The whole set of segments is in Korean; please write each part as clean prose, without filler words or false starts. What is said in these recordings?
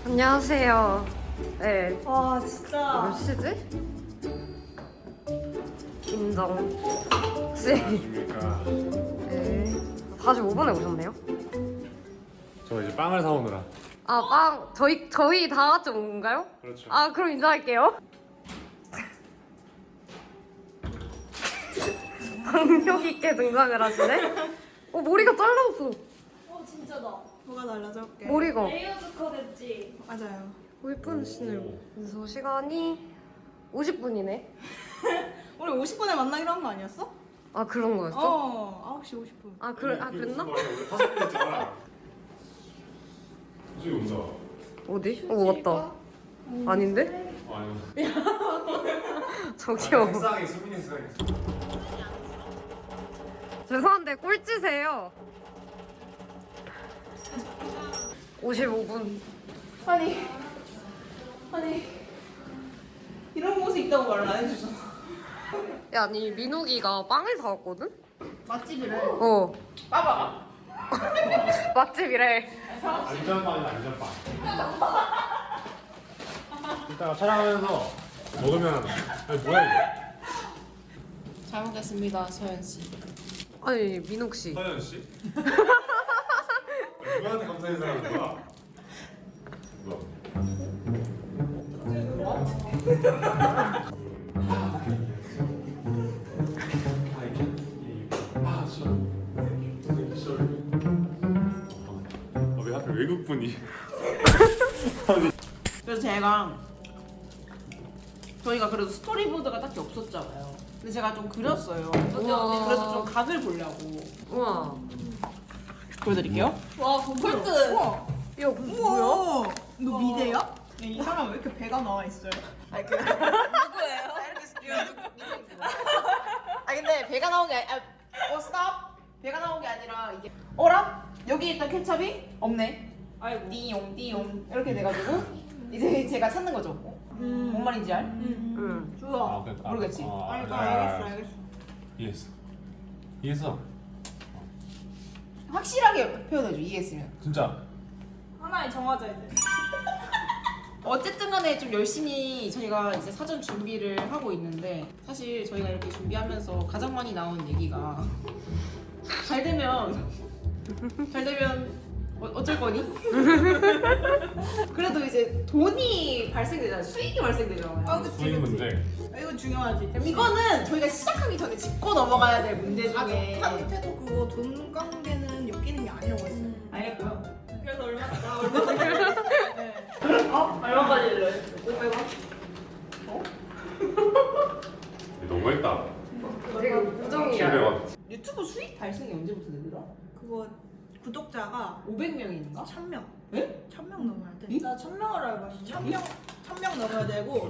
안녕하세요. 네. 와 진짜 몇 시지? 인정. 혹시 안녕하십니까. 네. 45분에 오셨네요? 저 이제 빵을 사오느라. 아, 빵. 저희 다 같이 온 건가요? 그렇죠. 아, 그럼 인사할게요. 박력 있게 등장을 하시네? 머리가 잘라졌어. 진짜다. 뭐가 달라졌게? 머리가. 레이어드 컷 했지. 맞아요. 예쁘시네요. 그래서 시간이 50분이네. 우리 50분에 만나기로 한 거 아니었어? 아, 그런 거였어? 9시 50분. 그랬나? 우리 파스포트잖아. 저기 온다. 어디? 맞다. 아닌데? 아니. 저기요. 색상이 수민이 색상이. 죄송한데 꼴찌세요. 55분. 아니 이런 모습 있다고 말을 안 해주잖아. 야, 아니 민욱이가 빵을 사왔거든? 맛집이래. 봐봐. 맛집이래. 안전빵이다 안전빵. 이따가 촬영하면서 먹으면 아니 뭐야 이거? 잘 먹겠습니다, 서현 씨. 아니 민욱 씨. 서현 씨? 누구한테 감사 인사하는 거야? 누가? 왜 하필 외국 분이? 그래서 저희가 그래도 스토리보드가 딱히 없었잖아요. 근데 제가 좀 그렸어요. 우와. 그래서 좀 각을 보려고. 우와. 보여드릴게요. 와 폴트. 우와. 야, 뭐야? 우와. 너 미대야? 이 사람 왜 이렇게 배가 나와 있어요? 아니 그 누구예요? 아 근데 배가 나온 게 스탑. 배가 나온 게 아니라 이게 어라? 여기 있던 케첩이 없네. 아이고. 띠용 이렇게 돼가지고 이제 제가 찾는 거죠. 뭔 말인지 알? 응. 좋아. 그러니까. 모르겠지? 알겠어. 이해했어. 확실하게 표현해줘. 이해했으면. 진짜. 하나에 정하자 이제. 어쨌든 간에 좀 열심히 저희가 이제 사전 준비를 하고 있는데 사실 저희가 이렇게 준비하면서 가장 많이 나온 얘기가 잘 되면 어쩔 거니? 그래도 이제 돈이 발생되잖아요. 수익이 발생되잖아요. 그치, 수익 문제. 이거 중요하지. 이거는 저희가 시작하기 전에 짚고 넘어가야 될 문제 중에 못해도 그거 돈 관계는 엮이는 게 아니라고 했어요. 알겠고요. 그래서 얼마까지? 얼마까지 일러? 500원? 너무했다. 되게 우정이야. 700원. 유튜브 수익 발생이 언제부터 되더라? 그거 구독자가 500명인가? 1000명. 네? 1000명 넘어야 돼. 이? 나 1000명을 알고 있어. 1000명 넘어야 되고.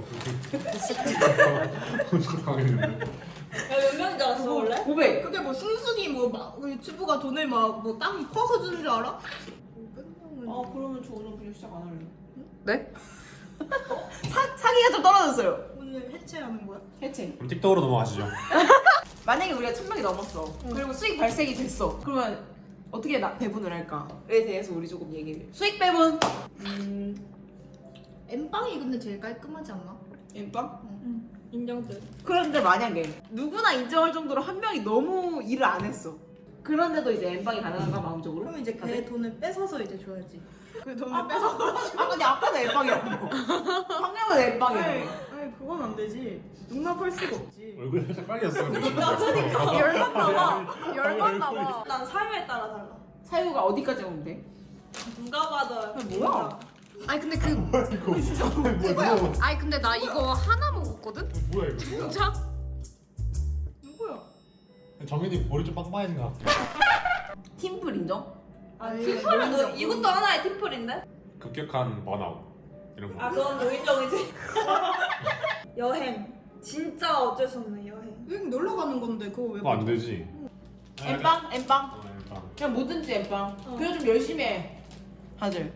엄청 당했는데. 몇 명인 줄 알았어 원래? 500. 그게 뭐 순순히 막 유튜브가 돈을 막 땅 퍼서 주는 줄 알아? 500명은 아 그러면 저 오늘 그냥 시작 안 할래요. 네? 사기가 좀 떨어졌어요. 오늘 해체하는 거야? 해체. 그럼 틱톡으로 넘어가시죠. 만약에 우리가 1000명이 넘었어. 그리고 수익 발생이 됐어. 그러면 어떻게 배분을 할까에 대해서 우리 조금 얘기해. 수익 배분. 엠빵이 근데 제일 깔끔하지 않나? 엠빵? 응. 인정돼. 그런데 만약에 누구나 인정할 정도로 한 명이 너무 일을 안 했어. 그런데도 이제 엠빵이 가능한가 마음적으로? 그럼 이제 다들? 걔 돈을 뺏어서 이제 줘야지. 그 돈을 뺏어. 근데 아까는 엠빵이라고. 방금은 엠빵이라고. 아니 그건 안 되지. 용납할 수가 없지. 얼굴 살짝 빨개졌어. 열받나 봐. 난 사유에 따라 달라. 사유가 어디까지 오면 돼? 누가 봐도 뭐야? 아니 근데 뭐야? 아니 근데 나 이거 하나 먹었거든? 뭐야 이거? 진짜? 누구야? 정현이 볼이 좀 빵빵해진 것 같아. 팀플 인정? 팀플은 너 이것도 하나의 팀플인데? 급격한 번아웃 이런 거. 그건 노인정이지. 여행. 진짜 어쩔 수 없네 여행. 여행 놀러 가는 건데 그거 왜? 그거 안 되지. 엠빵? 엠빵? 엠빵. 그냥 뭐든지 엠빵. 그냥 좀 열심히 해. 다들.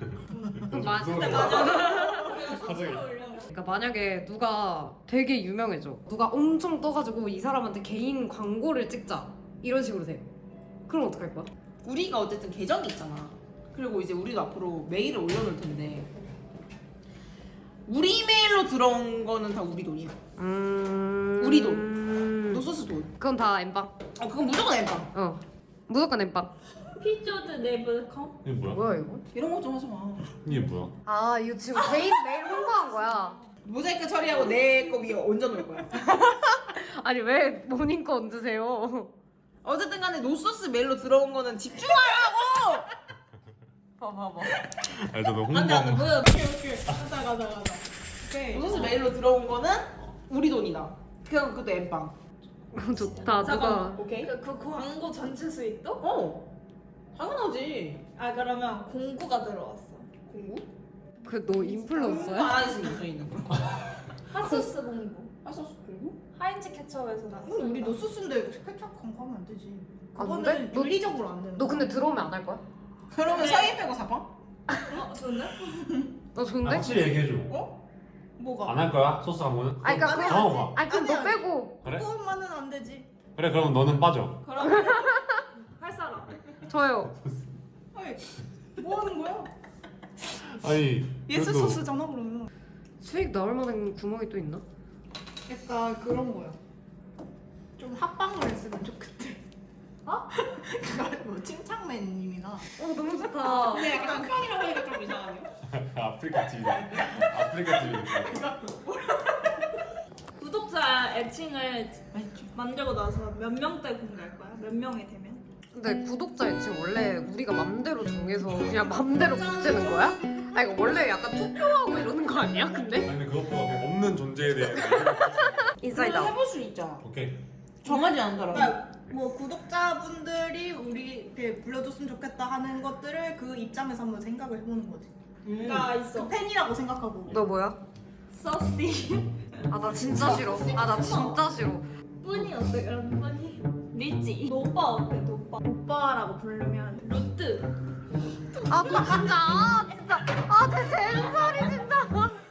그러니까 만약에 누가 되게 유명해져. 누가 엄청 떠가지고 이 사람한테 개인 광고를 찍자. 이런 식으로 돼. 그럼 어떡할 거야? 우리가 어쨌든 계정이 있잖아. 그리고 이제 우리도 앞으로 메일을 올려놓을 텐데 우리 메일로 들어온 거는 다 우리 돈이야. 우리 돈. 노소스 돈. 그건 다 엠빵. 그건 무조건 엠빵. 어. 무조건 엠빵. 피조드 네블컴? 이게 뭐야? 뭐야 이거? 이런 거 좀 하지 마. 이게 뭐야? 아 이거 지금 개인 메일 홍보한 거야. 모자이크 처리하고 내 거 위에 얹어놓을 거야. 아니 왜 모닝 거 얹으세요? 어쨌든 간에 노소스 메일로 들어온 거는 집중하라고! 봐봐. 아 저도 안돼 홍보한 거. 뭐야 오케이 가자 오케이 노소스 메일로 들어온 거는 우리 돈이다. 그것도 엠빵. 좋다. 누가 잠깐만. 오케이? 그 광고 전체 수익도? 당연하지. 아 그러면 공구가 들어왔어 공구? 그 너 인플루언서야? 안 하지 있는 거. 핫소스 공구 핫소스 공구? 하인즈 케첩에서 나왔어 우리 노소스인데 케첩 광고하면 안 되지. 아, 그거는 근데? 너- 윤리적으로 안 되는. 너 근데 들어오면 안 할 거야? 그러면 네. 서희 빼고 사빵? 좋네? 너 아, 좋은데? 확실히 얘기해줘. 뭐가? 안 할 거야? 소스 광고는? 아니 그러니까 그 정하고 봐. 아니 그럼 너 아니야. 빼고 그래? 그것만은 안 되지. 그래 그럼 너는 빠져. 그럼 할 사람 저요. 아니, 뭐 하는 거야? 아니 예스 그래도 소스잖아 그러면. 수익 나올 만한 구멍이 또 있나? 약간 그런 거야. 좀 합방을 했으면 좋겠대. 어? 뭐 침착맨님이나. 너무 좋다. 근데 약간 편이라고 하니까 좀 이상하네요. 아프리카 TV. 아프리카 TV. 구독자 애칭을 만들고 나서 몇 명대 공개할 거야? 몇 명이 되면? 근데 구독자 애칭 원래 우리가 맘대로 정해서 그냥 맘대로 붙이는 거야? 아 이거 원래 약간 투표하고 이러는 거 아니야? 근데? 아니 근데 그것보다 뭐 없는 존재에 대해. 인사이드 그걸 아웃. 해볼 수 있잖아. 오케이. 정하지 않더라고. 그러니까 뭐 구독자분들이 우리 이렇게 불러줬으면 좋겠다 하는 것들을 그 입장에서 한번 생각을 해보는 거지. 나 있어 그 팬이라고 생각하고. 너 뭐야? 서시 아 나 진짜 싫어. 아 나 진짜 싫어. 뿌니 어때 그럼 뿌니? 리지 노빠 어때 노빠? 오빠라고 부르면 루트 아 또 진짜 아내 젠살이 진짜.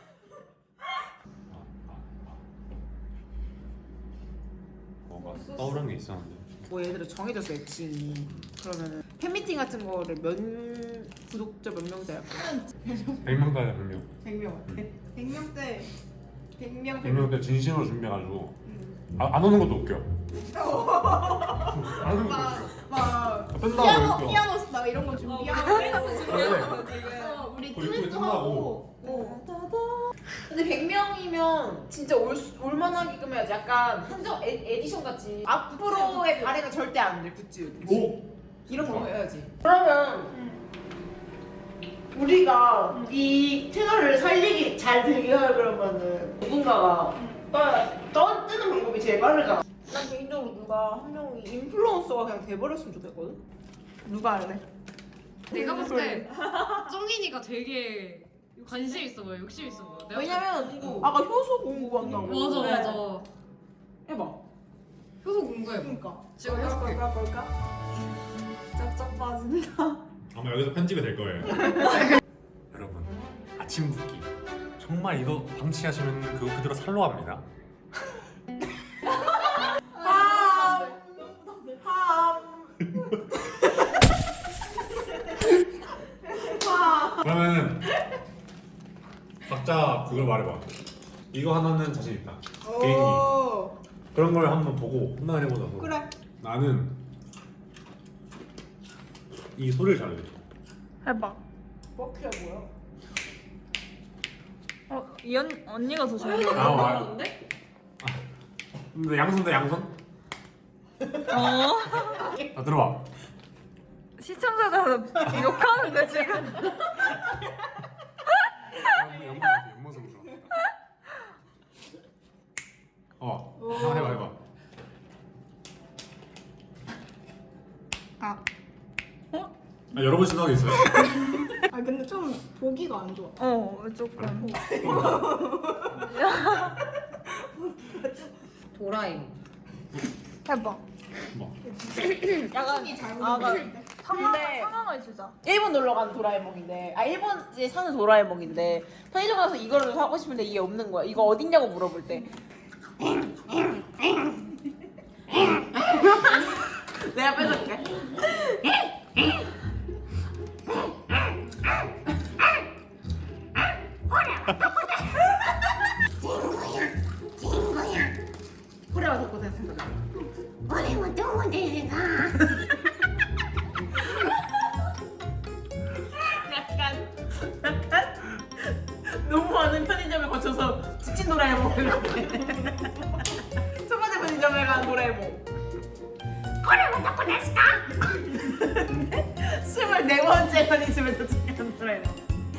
뭐가 떠오르는 게 있었는데. 뭐 예를 들어 정해졌어 애칭이. 그러면은 팬미팅 같은 거를 구독자 몇 명대 할 거야? 100명까지 100명. 100명. 100명대 100명 100명 때 진심으로 준비해가지고 안 오는 것도 웃겨. 안 오는 것도 웃겨. 막 뺀다고 웃겨. 피아노 막 이런 거 준비하고 댄스 준비하는 거 지금 우리 거의 듀엣도 끝나고. 하고. 근데 100명이면 진짜 올만하게끔 해야지. 약간 한정 에디션 같이. 앞으로의 발해가 절대 안 돼 굿즈. 오. 이런 거 해야지. 그러면 우리가 이 채널을 살리기 잘 되게 하려면은 누군가가 뜨는 방법이 제일 빠르잖아. 난 개인적으로 누가 한 명이 인플루언서가 그냥 돼버렸으면 좋겠거든. 누가 할래? 내가 봤을 때 쩡인이가 되게 관심 있어 보여. 욕심 있어 보여. 내가 왜냐면 아까 효소 공부한다고. 맞아 네. 맞아. 해봐. 효소 공부해. 그러니까. 지금 해줄게. 볼까? 짭짭 빠진다 아마 여기서 편집이 될 거예요. 여러분 아침 붓기 정말 이거 방치하시면 그거 그대로 살로 합니다. 그러면은 각자 그걸 말해봐. 이거 하나는 자신 있다. 개인기 그런 걸 한번 보고 판단해 보자고. 그래. 나는 이 소리를 잘해. 해봐 버키야 뭐야? 이 언니가 더 잘해 아 와. 근데 양손 대 양손? 자 들어봐. 시청자들은 욕하는데 지금 옆모습으로. 한번 해봐. 여러 번 시도하고 있어요. 아 근데 좀 보기가 안 좋아. 조금 도라에몽. 해봐 뭐. 약간 상황을 주자 일본 놀러 간 도라에몽인데 일본에 사는 도라에몽인데 편의점 가서 이거를 사고 싶은데 이게 없는 거야. 이거 어딨냐고 물어볼 때 내가 뺏어줄게. 미친 도라에몽 이렇게. 첫 번째 편의점에 간 도라에몽. 거래문 닫고 됐을까? 24번째 편의점에 도착한 도라에몽.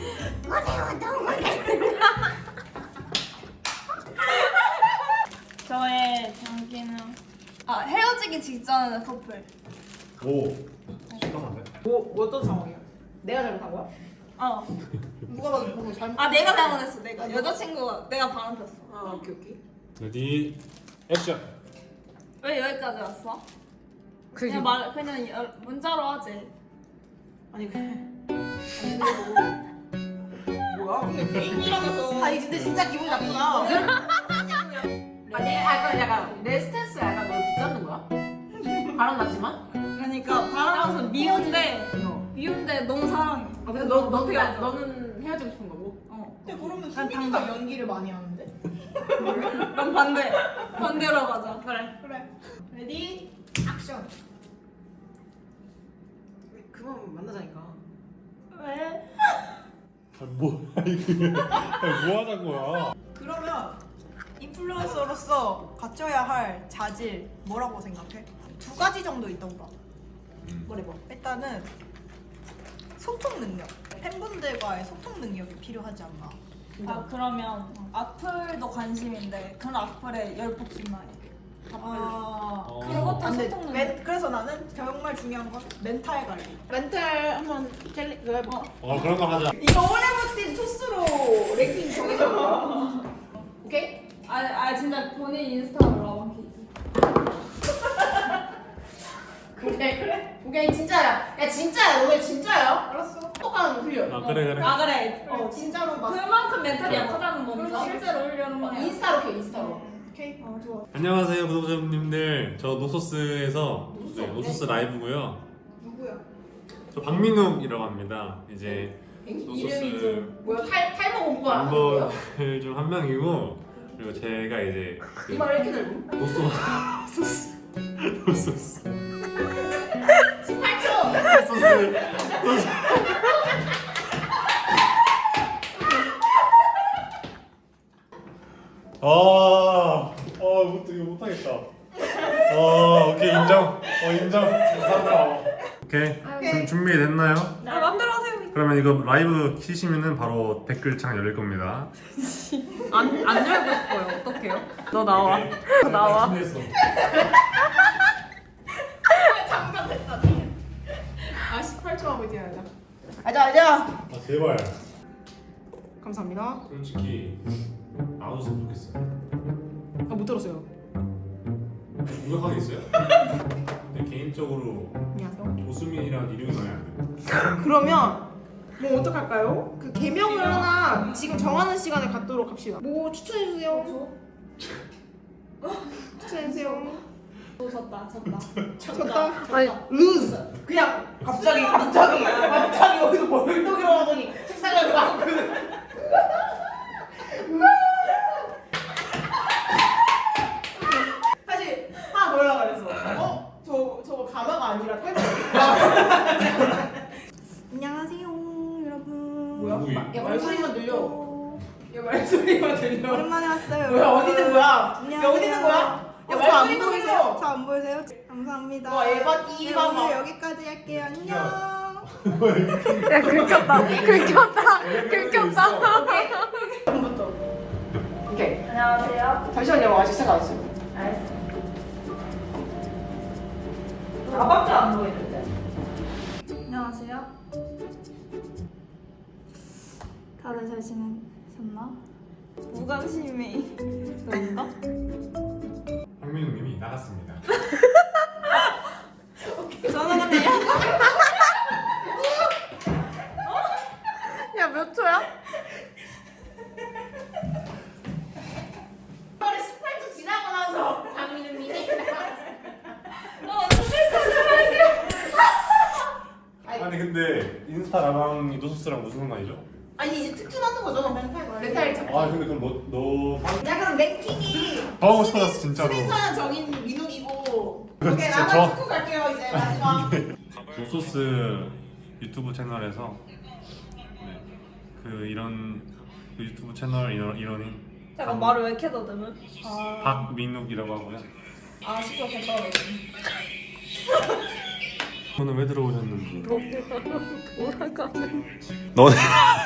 저의 장기는 헤어지기 직전 커플. 오 심각한데? 뭐 어떤 상황이야? 내가 잘못한 거야? 누가 봐도 보고 잘못. 내가 잘못했어. 내가 여자친구가 내가 바람 폈어. 오케이. 레디 액션. 왜 여기까지 왔어? 그게 그냥 문자로 하지. 아니 뭐야? 근데 개인이라면서. 아니 근데 진짜 기분 나쁘다. 아니 약간 내 스탠스 약간 널 붙잡는 거야? 바람 났지만? 그러니까 바람 나서 미운데 너무 사랑해. 근데 너는 헤어지고 싶은 거고? 근데 그러면 순이가 연기를 많이 하는데? 그럼 반대로 가자. 그래. 레디 액션. 그만 만나자니까. 왜? 뭐야 이게? 뭐 하는 거야? 그러면 인플루언서로서 갖춰야 할 자질 뭐라고 생각해? 2가지 정도 있다고 봐. 뭐래. 일단은 소통 능력. 팬분들과의 소통 능력이 필요하지 않나. 그러면 악플도 관심인데 그런 악플에 열폭신나해. 그것도 근데 소통 능력. 그래서 나는 정말 중요한 건 멘탈 관리. 멘탈 한번 챌린 그거 해봐. 그런 거 하자. 이거 오래 버틴 토스로 랭킹 정해줘 봐. 오케이? 진짜 본인 인스타로 라방키. 그래. 오케이 진짜야. 야 진짜야. 너 왜 진짜야? 알았어. 똑똑한 흘려. 그래. 그래. 진짜로 막 그만큼 멘탈이 약하다는 거니까 그렇지. 실제로 올려는 거야. 인스타로 켜 인스타로. 오케이. 좋아. 안녕하세요 구독자님들. 저 노소스에서 노소스 라이브고요. 누구야? 저 박민욱이라고 합니다. 이제 이름이 노소스 좀 뭐야? 탈모 공부하는 거야? 멤버들 중 한 명이고, 그리고 제가 이제 그 이말 왜 이렇게 넓어? 노소스 18초. 노소스 이거 못하겠다. 오케이 인정. 감사합니다. 오케이 준비됐나요? 맘대로 하세요. 그러면 이거 라이브 키시면은 바로 댓글창 열릴 겁니다. 안 열고 싶어요. 어떡해요? 너 나와. 나와. 준비했어. 장담됐다. 18초 하고 이제 하자. 제발. 감사합니다. 솔직히 안 웃으면 좋겠어요. 못 들었어요. 공격하게 있어요? 근데 개인적으로 안녕하세요. 조수민이랑 이름이 나야 안 돼. 그러면 뭐 어떡할까요? 그 개명을 하나 지금 정하는 시간에 갖도록 합시다. 뭐 추천해주세요. 추천해주세요. 쳤다. 아니 루즈. 그냥 갑자기 여기서 멀떡이라고 하더니 책상에 막 사실 하나 더 하려고 그랬어. 저거 가마가 아니라 탈모. 안녕하세요, 여러분. 뭐야? 누구야? 야 말소리만 들려. 야 말소리만 들려. 오랜만에 왔어요. 뭐야 어디 있는 거야? 야 안녕하세요. 어디 있는 거야? 야 저안 말소리만 보이세요? 들려. 저안 보이세요? 감사합니다. 와, 에바 네, 띠바바. 오늘 여기까지 할게요. 안녕. 야 긁혔다. 오케이. 안녕하세요. 잠시만요. 아직 생각 안 했어요. 나밖에 안 보이는데. 안녕하세요. 다들 잘 지내셨나? 무관심이 그런가? 박민욱님이 나갔습니다. 저는 근데 야 몇 초야? 빨리 18초 지나고 나서 강민우님이 아니 근데 인스타 라방이 노소스랑 무슨 상관이죠? 아니 이제 특준하는 거죠 멘탈 잡기. 근데 그럼 너 야 그럼 랭킹이 더 하고 싶어졌어 진짜로. 수빈선은 정인 민욱이고. 그거 오케이 진짜 나만 축구 갈게요 이제 마지막. 노소스 유튜브 채널에서 그 이런 그 유튜브 채널 일원인 잠깐 말을 왜 이렇게 더듬은? 박민욱이라고 하고요. 아 시끄러 괜찮아. 오늘 왜 들어오셨는지. 돌아가는. 너네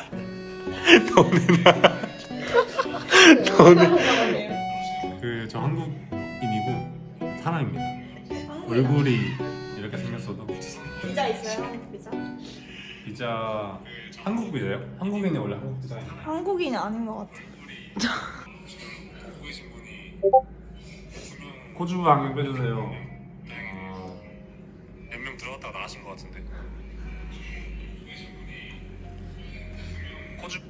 그 저 한국인이고 사람입니다. 얼굴이 이렇게 생겼어도 비자 있어요? 한국 비자? 비자 한국 비자요? 한국인이 원래 한국 비자예요. 한국인이 아닌 것 같아. 코주 안경 빼주세요. 몇 명 들어갔다가 나가신 것 같은데. 코주.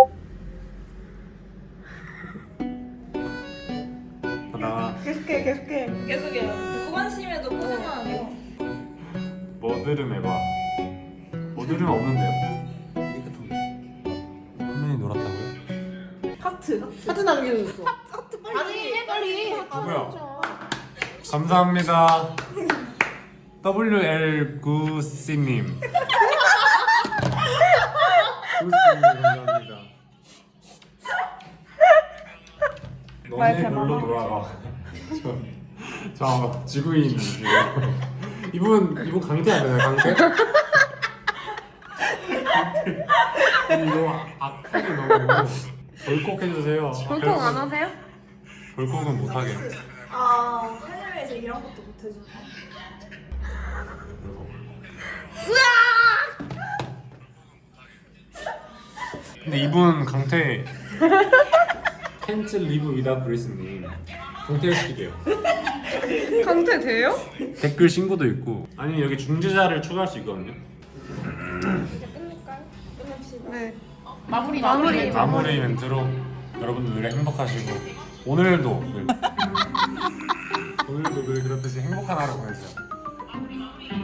하나. 계속해. 계속해요. 무관심에도 꾸준한 아니고. 머드름 해봐. 머드름 없는데요? 한 명이 놀았다고요? 하트. 하트 남겨줬어. 하트 빨리. 아니 해 빨리. 누구야? 감사합니다. WL9C님. 구씨님 감사합니다. 너네 별로 돌아가. 저 지구인 지금. 이분 강태 안 되나요? 강태? 강태. 이거 악플이 너무 벌컥 해주세요. 볼콕 안 하세요? 벌컥은 못하게. 아 해외에서 이런 것도 못 해주나? 근데 이분 강태 캔츠 리브 위다 브리스님 강퇴시키게요. 강퇴 돼요? 댓글 신고도 있고 아니 여기 중재자를 추가할 수 있거든요. 이제 끝낼까요? 끝냅시다. 네. 마무리. 마무리 멘트로 여러분들 늘 행복하시고 오늘도 늘 그렇듯이 행복한 하루 보내세요.